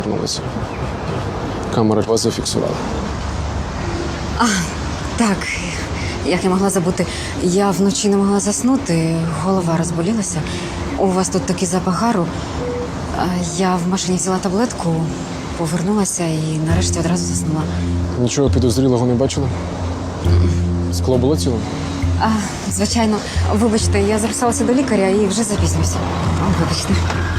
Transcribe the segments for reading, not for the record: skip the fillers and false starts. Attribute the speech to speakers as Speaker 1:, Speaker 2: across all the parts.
Speaker 1: вернулися. Камера вас зафіксувала.
Speaker 2: Так, як я могла забути, я вночі не могла заснути, голова розболілася. У вас тут такий запах гару. Я в машині взяла таблетку, повернулася і нарешті одразу заснула.
Speaker 1: Нічого підозрілого не бачила? Скло було ціле?
Speaker 2: Звичайно, вибачте, я записалася до лікаря і вже запізнююся. Вибачте.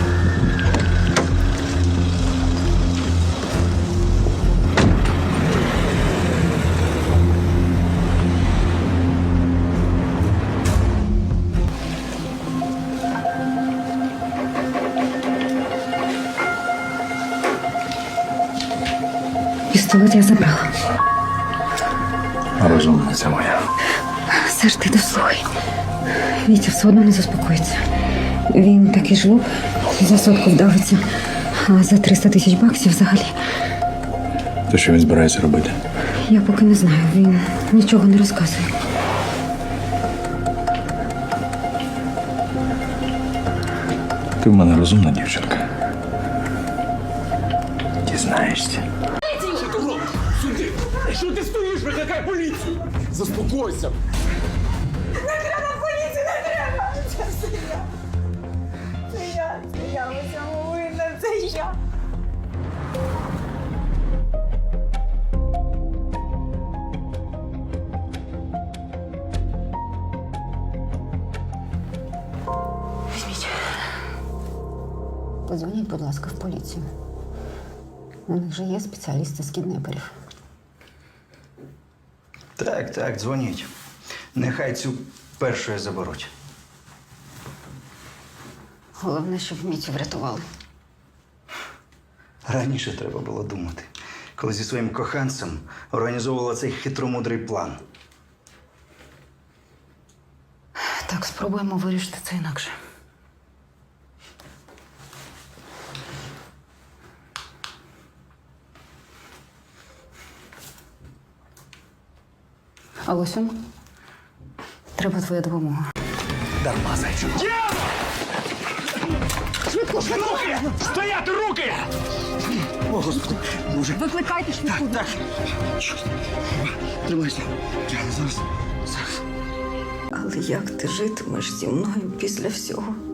Speaker 2: Пістолет я забрала.
Speaker 3: Розумниця моя.
Speaker 2: Саш, ти дослухай. Вітя все одно не заспокоїться. Він такий жлоб, за сотку вдавиться, а за 300 тисяч баксів взагалі.
Speaker 3: То що він збирається робити?
Speaker 2: Я поки не знаю, він нічого не розказує.
Speaker 3: Ти в мене розумна дівчинка. Дізнаєшся.
Speaker 1: Що ти стоїш? Викликай поліцію! Заспокойся!
Speaker 4: Не треба поліції, не треба! Це все я. Це я у цьому винна, це я.
Speaker 2: Візьміть. Подзвоніть, будь ласка, в поліцію. У них же є спеціалісти з кіднеперів.
Speaker 5: Так, дзвоніть. Нехай цю першою заберуть.
Speaker 2: Головне, щоб Мітю врятували.
Speaker 5: Раніше треба було думати, коли зі своїм коханцем організовувала цей хитромудрий план.
Speaker 2: Так, спробуємо вирішити це інакше. Алосю, треба твоя допомога.
Speaker 3: Дарма, зайчу.
Speaker 2: Швидко!
Speaker 3: Стояти, руки! О, Господи, Боже.
Speaker 2: Викликайте швидку.
Speaker 3: Так. Тримайся. Зараз.
Speaker 2: Але як ти житимеш зі мною після всього?